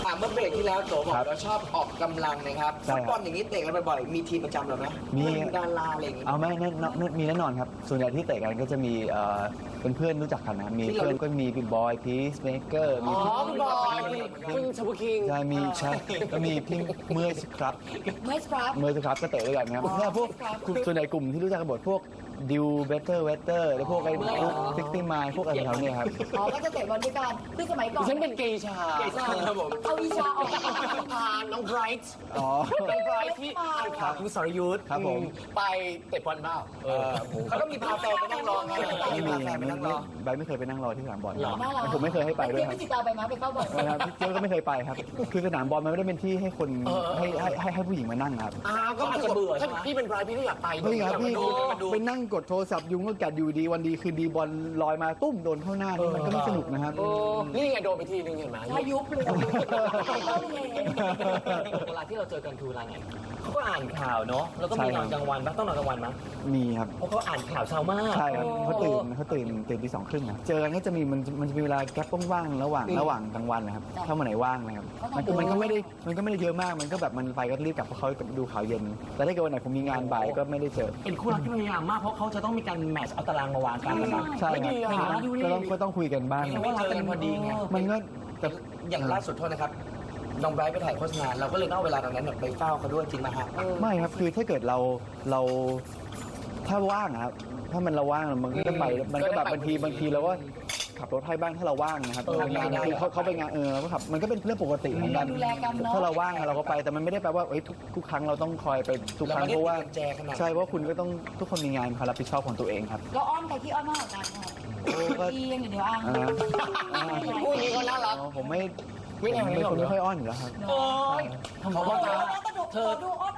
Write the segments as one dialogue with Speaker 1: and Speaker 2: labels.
Speaker 1: เมื่อเบรกที่แล้วโตบอกเราชอบออกกำลังนะครับฟุตบอลอย่างนี้เตะกันบ่อยๆมีทีมประจำหรือไหมมีดาราอะไรอย่างงี้
Speaker 2: เอาไม่มีแน่นอนครับส่วนใหญ่ที่เตะกันก็จะมีเป็นเพื่อนรู้จักกันนะมีเพื่อนก็มีพี่บอยพีซเมเกอร์มี
Speaker 3: พี่บอยคุณชบุคิง
Speaker 2: ใช่มีใช่ก็มีพี่เมื่อยสครับ
Speaker 4: เมื่อ
Speaker 2: ครับก็เตะด้วยกันครับเนี่ยพวกส่วนใหญ่กลุ่มที่รู้จักกันหมดพวกดิวเบเตอร์แล้วพวกไอ้ซิกตี้มายพวกอะไรเขาเนี่ยครับ
Speaker 4: ก็จะเตะบอลด้วยกันคือสมัยก่อน
Speaker 3: ฉันเป็นเกย์ชา
Speaker 1: ครับผม
Speaker 4: เอาวิชาออก
Speaker 3: พาน้องไบรท์น้องไบรท์ที่อ่านข่าวคุณสรยุทธ์
Speaker 2: ครับผม
Speaker 3: ไปเตะบอลเปล่า
Speaker 1: เขาก็มีพาแฟนไปนั่งรอไงมีพาแฟนไปนั่งรอ
Speaker 2: ใบไม่เคยไปนั่งรอที่สนามบอลผมไม่เคยให้ไปด้วยครับ
Speaker 4: พี่ตาไปมาไปเข้าบอล
Speaker 2: ครับเจ้าก็ไม่เคยไปครับคือสนามบอลมันไม่ได้เป็นที่ให้คนให้ผู้หญิงมานั่งครับ
Speaker 3: ก็อาจจะเบื่อถ้าพี่เป็นไบรท์พี่ก็อยากไป
Speaker 2: ไม่ครับพี่ไปนั่งกดโทรศัพท์ยุงก็กัดอยู่ดีวันดีคือดีบอลลอยมาตุ้มโดนเข้าหน้านี่มันก็ไม่สนุกนะครับ
Speaker 3: นี่ไงโดนไปทีนึงเห็นไหม
Speaker 4: พายุเลย
Speaker 3: เวลาที่เราเจอกันคือเวลาไหนเขาก็อ่านข่าวเนาะแล้วก็มีนอนกลางวันบ้างต้องนอนกลางวันมั้ย
Speaker 2: มีครับ
Speaker 3: เพราะเขาอ่านข่าวเช้ามาก
Speaker 2: ใช่ครับเขาตื่นตี 2:30นะเจอกันก็จะมีมันจะมีเวลาแก๊ปว่างๆระหว่างกลางวันนะครับถ้าวันไหนว่างนะครับมันก็ไม่ได้เยอะมากมันก็แบบมันไปก็รีบกลับเพราะเขาดูข่าวเย็นแต่ถ้าเกิดวันไหนผมมีงานบ่ายก็ไม่ได้เจอ
Speaker 3: เป็นคู่รักที่พยายามมากเพราะเขาจะต้องมีการแมทช์เอาตารางมาวางกันนะครับ
Speaker 2: ใช่ครับก็ต้องคุยกันบ้าง
Speaker 1: ว่าเจอกันพอดีไง
Speaker 2: มันก็แต่
Speaker 1: อย่างล่าสุดโทษนะครับน้องไบรท์ไปถ่ายโฆษณาเราก็เลยเอาเวลาตรงนั้นไปเฝ้าเขาด้วยจริงไหมฮะ
Speaker 2: ไม่ครับคือถ้าเกิดเราถ้าว่างครับถ้ามันเราว่างมันก็ไปมันก็แบบบางทีเราก็ขับรถให้บ้างถ้าเราว่างนะครับคือเขาไปงานเราก็ขับมันก็เป็นเรื่องปกติเหมือนกันถ้าเราว่างเราก็ไปแต่มันไม่ได้แปลว่าทุกครั้งเราต้องคอยไปทุกครั้งเพราะว่าใช่เพราะคุณก็ต้องทุกคนมีงานความรับผิดชอบของตัวเองครับ
Speaker 4: เราอ้อนใครที่อ้อนมากกว่ากันค่ะดีอย่างเดียวอ้าง
Speaker 3: คู่นี้ก็น่ารัก
Speaker 2: ผมเป็นคนไม่ค่อยอ้อนอยู่แล้วครับ
Speaker 3: โอ้ยเขาบอกว่า
Speaker 4: เธอดูอ้อน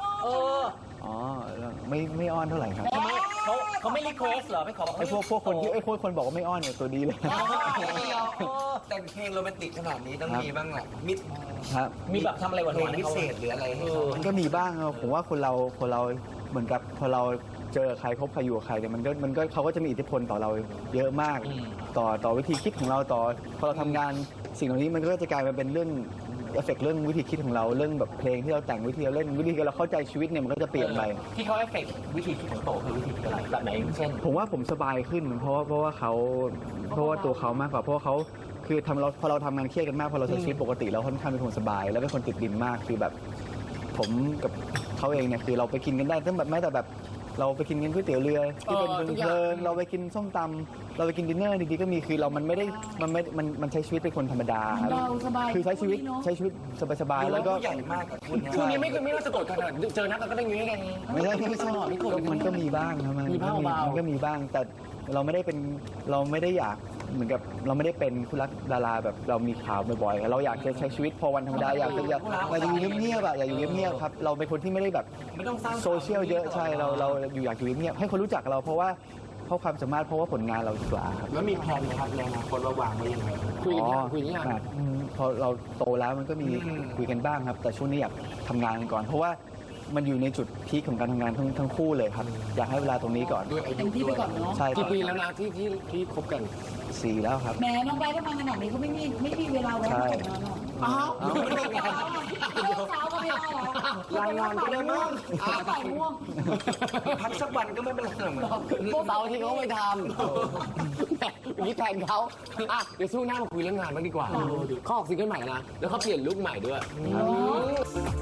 Speaker 2: ไม่อ้อนเท่าไหร่ครับ
Speaker 3: เขาไม่รีเควสเหรอไม่ขอ
Speaker 2: ไอ้พวกคนที่คนบอกว่าไม่อ้อนเนี่ยตัวดีเลย
Speaker 1: แต่เพลงโรแมนติกขนาดนี้ต้องมีบ้างแหละ
Speaker 3: มีแบบทำอะไรหวาน
Speaker 1: ๆพิเศษหรืออะไร
Speaker 2: มันก็มีบ้างผมว่าคนเราเหมือนกับพอเราเจอใครคบใครอยู่กับใครเนี่ยมันก็เขาก็จะมีอิทธิพลต่อเราเยอะมากต่อวิธีคิดของเราพอเราทำงานสิ่งเหล่านี้มันก็จะกลายมาเป็นเรื่องเอฟเฟกต์เรื่องวิธีคิดของเราเรื่องแบบเพลงที่เราแต่งวิธีเราเล่นวิธีเราเข้าใจชีวิตเนี่ยมันก็จะเปลี่ยนไป
Speaker 3: ที่เขาเอฟเฟกต์วิธีคิดของโตคือวิธีคิดอะไรแบบไหนเช่น
Speaker 2: ผมว่าผมสบายขึ้นเพราะว่าตัวเขามากกว่าเพราะเขาคือพอเราทำงานเครียดกันมากพอเราใช้ชีวิตปกติเราค่อนข้างเป็นคนสบายแล้วเป็นคนติดดินมากคือแบบผมกับเขาเองเนี่ยคือเราไปกินกันได้ตั้งแบบแม้แต่แบบเราไปกินก๋วยเตี๋ยวเรือที่เป็นเพลินเราไปกินส้มตำเราไปกินดินเนอร์ดีๆก็มีคือเรามันใช้ชีวิตเป็นคนธรรมดาครับคือใช้ชีวิตสบายๆแล้วก็
Speaker 1: ใหญ่มากกับคุณ
Speaker 3: ช่วงนี้ไม่น่าจะโกรธกันเจอนักก็ได้งี้กัน
Speaker 2: ไม่ชอบมันก็มีบ้างครับมันก็มีบ้างแต่เราไม่ได้อยากเหมือนกับเราไม่ได้เป็นคู่รักดาราแบบเรามีข่าวบ่อยๆเราอยากจะใช้ชีวิตพอวันธรรมดาอยากจะอยู่เงียบๆอยากอยู่เงียบๆครับเราเป็นคนที่ไม่ได้แบบโซเชียลเยอะใช่เราอยากอยู่เงียบให้คนรู้จักเราเพราะความสามารถเพราะว่าผลงานเราดีกว่าครับ
Speaker 1: แล้วมีแผนไหมครับในอนาคตว่าวางไว้ยังไง
Speaker 3: คุยกัน
Speaker 2: พอเราโตแล้วมันก็มีคุยกันบ้างครับแต่ช่วงนี้อยากทำงานก่อนเพราะว่ามันอยู่ในจุดพีคของการทำงานทั้งคู่เลยครับอยากให้เวลาตรงนี้ก่อน
Speaker 4: เต็มที่ไปก่อนเนาะ
Speaker 2: ใช่
Speaker 3: กี่ปีแล้วนะที่คบกัน
Speaker 2: 4แล้วครับ
Speaker 4: แม่น้องไบร์ททำงานขนาดนี้เขาไม่มีเวลาไว้ให้แต่งงานหรอก
Speaker 3: ไม่ได้งาน
Speaker 4: เช้าก็ไม่ได้หรอ
Speaker 1: งานก็ได้มั้ง
Speaker 4: ใส่ม่วง
Speaker 1: พักสักวันก็ไม่เป็นไรหรอก
Speaker 3: พวกเสาร์ที่เขาไม่ทำอย่างนี้แทนเขาเดี๋ยวสู้หน้ามาคุยเรื่องงานบ้างดีกว่าเขาออกซิงเกิลใหม่นะแล้วเขาเปลี่ยนลุคใหม่ด้วย